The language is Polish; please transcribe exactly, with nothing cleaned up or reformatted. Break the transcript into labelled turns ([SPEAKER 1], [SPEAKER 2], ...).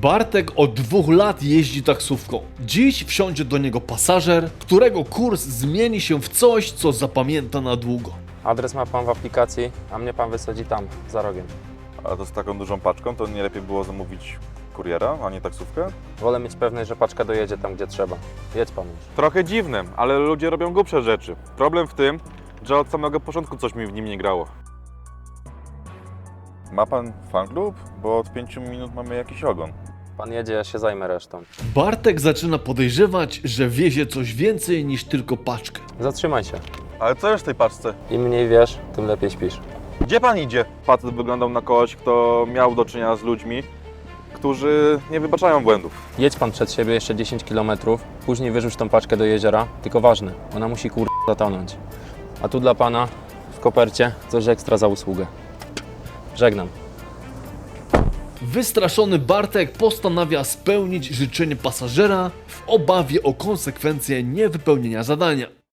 [SPEAKER 1] Bartek od dwóch lat jeździ taksówką. Dziś wsiądzie do niego pasażer, którego kurs zmieni się w coś, co zapamięta na długo.
[SPEAKER 2] Adres ma pan w aplikacji, a mnie pan wysadzi tam, za rogiem.
[SPEAKER 3] A to z taką dużą paczką, to nie lepiej było zamówić kuriera, a nie taksówkę?
[SPEAKER 2] Wolę mieć pewność, że paczka dojedzie tam, gdzie trzeba. Jedź pan już.
[SPEAKER 3] Trochę dziwne, ale ludzie robią głupsze rzeczy. Problem w tym, że od samego początku coś mi w nim nie grało. Ma pan fanklub? Bo od pięciu minut mamy jakiś ogon.
[SPEAKER 2] Pan jedzie, ja się zajmę resztą.
[SPEAKER 1] Bartek zaczyna podejrzewać, że wiezie coś więcej niż tylko paczkę.
[SPEAKER 2] Zatrzymaj się.
[SPEAKER 3] Ale co jest w tej paczce?
[SPEAKER 2] Im mniej wiesz, tym lepiej śpisz.
[SPEAKER 3] Gdzie pan idzie? Facet wyglądał na kogoś, kto miał do czynienia z ludźmi, którzy nie wybaczają błędów.
[SPEAKER 2] Jedź pan przed siebie jeszcze dziesięć kilometrów, później wyrzuć tą paczkę do jeziora, tylko ważne, ona musi kur... zatonąć. A tu dla pana w kopercie coś ekstra za usługę. Żegnam.
[SPEAKER 1] Wystraszony Bartek postanawia spełnić życzenie pasażera w obawie o konsekwencje niewypełnienia zadania.